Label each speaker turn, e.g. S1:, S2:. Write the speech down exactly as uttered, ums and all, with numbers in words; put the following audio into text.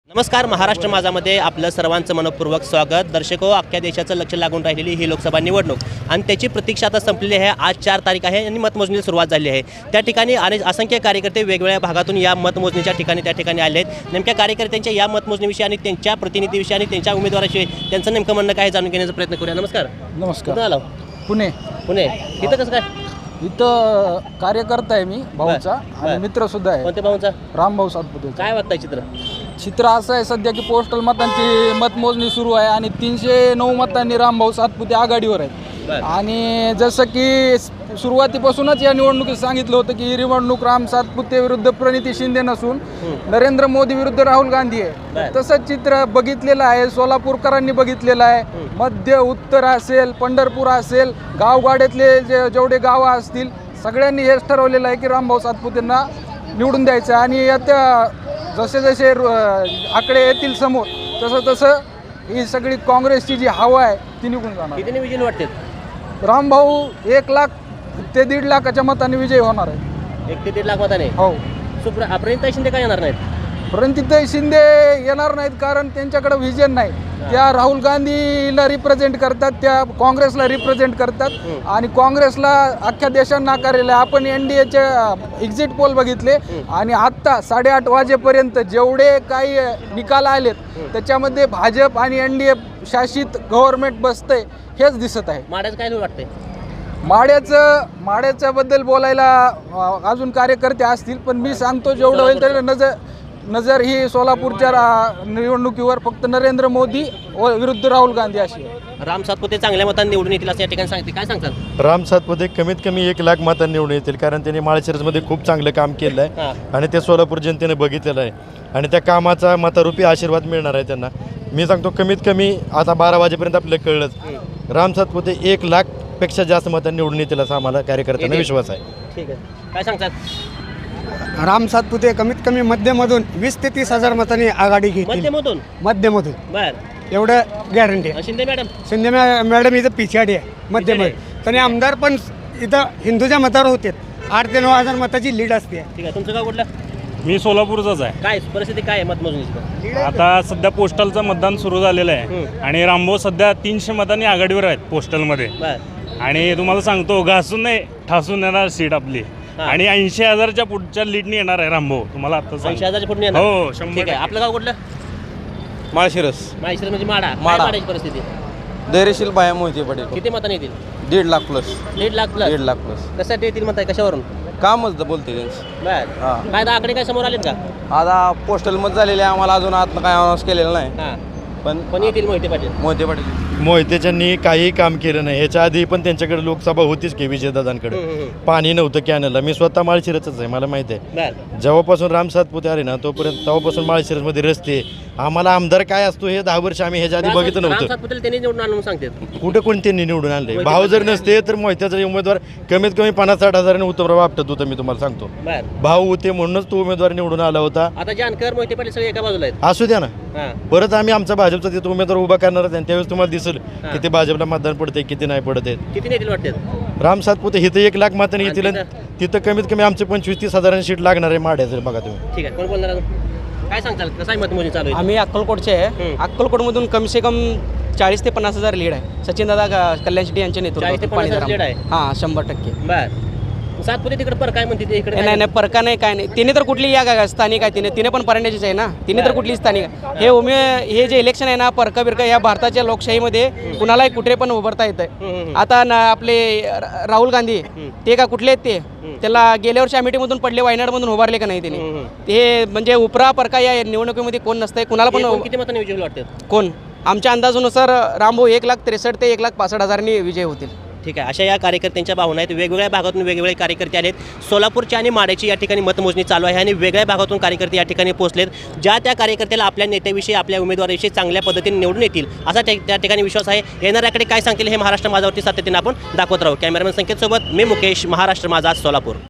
S1: नमस्कार, महाराष्ट्र माझामध्ये आपलं सर्वांचं मनपूर्वक स्वागत. दर्शको, अख्ख्या देशाचं लक्ष लागून राहिलेली ही लोकसभा निवडणूक आणि त्याची प्रतीक्षा आता संपलेली आहे. आज चार तारीख आहे आणि मतमोजणीला सुरुवात झाली आहे. त्या ठिकाणी अनेक असंख्य कार्यकर्ते वेगवेगळ्या भागातून या मतमोजणीच्या ठिकाणी त्या ठिकाणी आले आहेत. नेमक्या कार्यकर्त्यांच्या या मतमोजणीविषयी आणि त्यांच्या प्रतिनिधीविषयी आणि त्यांच्या उमेदवाराविषयी त्यांचं नेमकं म्हणणं काय जाणून घेण्याचा प्रयत्न करूया. नमस्कार.
S2: नमस्कार.
S1: कुठून आलो?
S2: पुणे.
S1: पुणे. इथं कसं काय?
S2: इथं कार्यकर्ता आहे मी भाऊचा
S1: बर.
S2: आणि मित्र सुद्धा आहे.
S1: कोणत्या भाऊंचा?
S2: रामभाऊ सातपुते.
S1: काय वाटतंय चित्र?
S2: चित्र असं आहे सध्या की पोस्टल मतांची मतमोजणी सुरू आहे आणि तीनशे नऊ मतांनी रामभाऊ सातपुते आघाडीवर आहेत.
S1: बर.
S2: आणि जसं की सुरुवातीपासूनच या निवडणुकीत सांगितलं होतं की ही निवडणूक राम सातपुते विरुद्ध प्रणिती शिंदे नसून नरेंद्र मोदी विरुद्ध राहुल गांधी आहे.
S1: बर.
S2: तसंच चित्र बघितलेलं आहे, सोलापूरकरांनी बघितलेलं आहे. मध्य उत्तर असेल, पंढरपूर असेल, गावगाड्यातले जे जेवढे गावं असतील सगळ्यांनी हेच ठरवलेलं आहे की रामभाऊ सातपुतेंना निवडून द्यायचं. आणि आता जसे जसे आकडे येतील समोर तसं तसं ही सगळी काँग्रेसची जी हवा आहे ती निघून जाणार.
S1: किती विजय वाटते?
S2: रामभाऊ एक लाख ते दीड लाखाच्या मताने विजयी होणार आहे.
S1: एक ते दीड लाख मताने.
S2: हो.
S1: सुप्र प्रणिता शिंदे काय येणार नाहीत?
S2: प्रणितीताई शिंदे येणार नाहीत कारण त्यांच्याकडे व्हिजन नाही. त्या राहुल गांधीला रिप्रेझेंट करतात, त्या काँग्रेसला रिप्रेझेंट करतात आणि काँग्रेसला अख्ख्या देशात नाकारलेलं आहे. आपण एन डी एचे एक्झिट पोल बघितले आणि आत्ता साडेआठ वाजेपर्यंत जेवढे काही निकाल आलेत त्याच्यामध्ये भाजप आणि एन डी ए शासित गव्हर्नमेंट बसतंय हेच दिसत आहे.
S1: माड्याचं काय वाटतंय?
S2: माड्याचं माड्याच्याबद्दल बोलायला अजून कार्यकर्ते असतील, पण मी सांगतो जेवढं होईल तरी नजर नजर ही सोलापूरच्या निवडणुकीवर फक्त नरेंद्र मोदी विरुद्ध राहुल गांधी अशी आहे.
S1: राम सातपुते चांगल्या मतांनी निवडून येतील असं या ठिकाणी सांगते. काय सांगतात?
S3: राम सातपुते कमीत कमी एक लाख मतांनी निवडून येतील कारण त्यांनी माळशिरसमध्ये खूप चांगलं काम केलं आहे आणि ते सोलापूर जनतेने बघितलेलं आहे आणि त्या कामाचा मतारूपी आशीर्वाद मिळणार आहे त्यांना. मी सांगतो कमीत कमी आता बारा वाजेपर्यंत आपल्याला कळलंच राम सातपुते एक लाख पेक्षा जास्त मतांनी निवडून येतील असा आम्हाला कार्यकर्त्यांना विश्वास आहे.
S1: ठीक आहे. काय सांगतात?
S4: राम सातपुते कमीत कमी मध्यमधून वीस ते तीस हजार मतांनी आघाडी घेतील.
S1: मध्यमधून?
S4: मध्यमधून
S1: बर.
S4: एवढं गॅरंटी आहे.
S1: शिंदे मॅडम?
S4: शिंदे मॅ- मॅडम इथं पिछाडी आहे मध्यमध्ये. आणि आमदार पण इथं हिंदूच्या मतावर होते. आठ ते नऊ हजार मताची लीड असते.
S1: ठीक आहे. तुमचं गाव कुठलं?
S5: मी सोलापूरचाच आहे.
S1: काय परिस्थिती काय आहे मतमोजणीची?
S5: आता सध्या पोस्टलचं मतदान सुरू झालेलं आहे आणि रामभाऊ सध्या तीनशे मतांनी आघाडीवर आहेत पोस्टलमध्ये.
S1: बर.
S5: आणि तुम्हाला सांगतो घासून नाही ठासून येणार सीट आपली आणि ऐंशी हजारच्या पुढच्या लीडनी येणार आहे रामभाऊ. तुम्हाला आता
S1: ऐंशी हजारच्या पुढे येणार?
S5: हो, शंभर
S1: ठीक आहे.
S5: टक्के.
S1: आपलं गाव कुठलं?
S6: माळशिरस.
S1: माळशिरस म्हणजे माडा. काय
S6: माडा.
S1: माड्याची परिस्थिती?
S6: धैर्यशील बाया मोहिते पटेल.
S1: किती मतांनी येतील?
S6: दीड लाख प्लस.
S1: दीड लाख प्लस?
S6: दीड लाख प्लस.
S1: कशासाठी येतील म्हणताय? कशावरून?
S6: कामच द- बोलते त्यांचं.
S1: बर.
S6: हां.
S1: काय आता आकडे काय समोर आलेत का?
S6: आता पोस्टल मत झालेले आहे, आम्हाला अजून आतनं काय अनाऊन्स केलेलं नाही
S1: हां.
S6: पण
S1: पण येतील मोहिते पाटील.
S6: मोहिते पाटील
S3: मोहितेच्यांनी काही काम केलं नाही. ह्याच्या आधी पण त्यांच्याकडे लोकसभा होतीच की विजयदादांकडे. पाणी नव्हतं कॅनलला. मी स्वतः माळशिरसच आहे, मला माहिती आहे.
S1: बर.
S3: जेव्हापासून राम सातपुते आले ना तोपर्यंत तेव्हापासून माळशिरसमध्ये रस्ते आम्हाला आमदार काय असतो हे दहा वर्ष आम्ही ह्याच्या आधी बघितलं
S1: राम
S3: नव्हतं.
S1: सातपुतेला त्यांनी निवडून आणून सांगतात.
S3: कुठे कोण त्यांनी निवडून आणले? भाव जर नसते तर मोहित्याचा उमेदवार कमीत कमी पन्नास साठ हजारांनी उतरवा वाटत होतं. मी तुम्हाला सांगतो
S1: बर.
S3: भाव होते म्हणूनच तो उमेदवार निवडून आला होता.
S1: आता जानकर मोहिते पाटील सगळे एका बाजूला आहेत.
S3: असू द्या ना,
S1: हां.
S3: परत आम्ही आमचा भाजपचा तिथं उमेदवार उभा करणार आहे. त्यावेळेस तुम्हाला दिसेल किती भाजपला मतदान पडते किती नाही पडत आहेत.
S1: किती नेतील वाटतात?
S3: राम सातपुते इथं एक लाख मतांनी
S1: आणि
S3: येतील. तिथं कमीत कमी आमचे पंचवीस तीस हजारांची सीट लागणार आहे माड्याचं. बघा तुम्ही.
S1: ठीक आहे. कोण बोलणार अजून? काय सांगताल? कसं आहे मतमोजणी चालू आहे?
S7: आम्ही अक्कलकोटचे आहे.
S1: हम्म.
S7: अक्कलकोटमधून कम से कम चाळीस ते पन्नास हजार लीड आहे. सचिन दादा कल्याण शेट्टी यांच्या
S1: चाळीस ते पन्नास हजार lead आहे?
S7: हां, शंभर टक्के.
S1: बर. सातपुते तिकडे पर काय म्हणते ते इकडे
S7: नाही
S1: काय?
S7: नाही परका नाही काय नाही. तिने तर कुठली या का स्थानिक आहे. तिने तिने पण परंड्याचीच आहे ना. तिने तर कुठली स्थानिक आहे. हे उमे हे जे इलेक्शन आहे ना परका बिरका या भारताच्या लोकशाहीमध्ये कुणालाही कुठे पण उभारता येतं आहे. आता ना आपले रा- राहुल गांधी ते का कुठले आहेत ते त्याला गेल्या वर्षी अमेठीमधून पडले, वायनाडमधून उभारले का नाही त्याने? ते म्हणजे उपरा परका या निवडणुकीमध्ये कोण नसतंय. कुणाला
S1: एकूण
S7: पण
S1: किती मतांनी विजय वाटतात?
S7: कोण? आमच्या अंदाजानुसार रामभाऊ एक लाख त्रेसष्ट ते एक लाख पासष्ट हजारांनी विजय होतील.
S1: ठीक आहे. अशा या कार्यकर्त्यांच्या भावना आहेत. वेगवेगळ्या भागातून वेगवेगळे कार्यकर्ते आलेत. सोलापूरच्या आणि माड्याची या ठिकाणी मतमोजणी चालू आहे आणि वेगळ्या भागातून कार्यकर्ते या ठिकाणी पोहोचलेत. ज्या त्या कार्यकर्त्याला आपल्या नेत्याविषयी आपल्या उमेदवाराविषयी चांगल्या पद्धतीने निवडून येतील असा त्या त्या ठिकाणी विश्वास आहे. येणाऱ्याकडे काय सांगतील हे महाराष्ट्र माझावरती सातत्याने आपण दाखवत राहू. कॅमेरामॅन संकेतसोबत मी मुकेश, महाराष्ट्र माझा, सोलापूर.